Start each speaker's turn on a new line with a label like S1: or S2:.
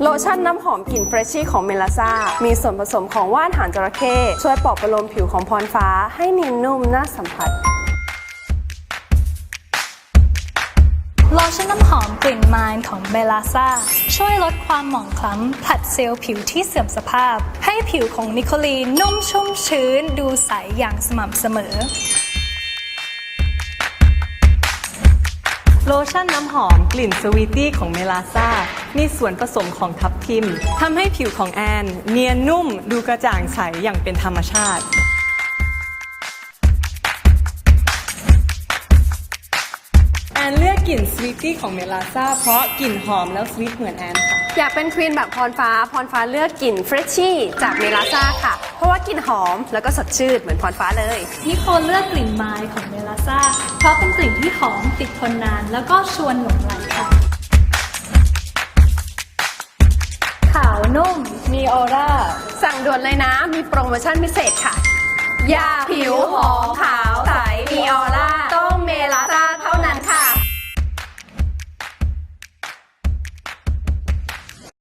S1: โลชั่นน้ำหอมกลิ่นเฟรชชี่ของเมลาซ่ามีส่วนผสมของว่านหางจระเข้ช่วยปลอบประโลมผิวของพรฟ้าให้เนียนนุ่มน่าสัมผัส
S2: โลชั่นน้ำหอมกลิ่นไมล์ของเบลาซ่าช่วยลดความหมองคล้ำผลัดเซลล์ผิวที่เสื่อมสภาพให้ผิวของนิโคลีนนุ่มชุ่มชื้นดูใสอย่างสม่ำเสมอ
S3: โลชั่นน้ำหอมกลิ่นสวีตี้ของเมลาซ่ามีส่วนผสมของทับทิมทำให้ผิวของแอนเนียนนุ่มดูกระจ่างใสอย่างเป็นธรรมชาติแอนเลือกกลิ่นสวีตี้ของเมลาซ่าเพราะกลิ่นหอมแล้วสวีทเหมือนแอนค่ะ
S1: อยากเป็นควีนแบบพรฟ้าเลือกกลิ่นเฟรชชี่จากเมลาซ่าค่ะเพราะว่ากลิ่นหอมแล้วก็สดชื่นเหมือนพรฟ้าเลย
S2: นิโคลเลือกกลิ่นไมล์ของเมลาซ่าเพราะเป็นกลิ่นที่หอมติดทนนานแล้วก็ชวนหลงไหลค่ะขาวนุ่มมีออร่า
S1: สั่งด่วนเลยนะมีโปรโมชั่นพิเศษค่ะยาผิวหอมขาวใสมีออร่า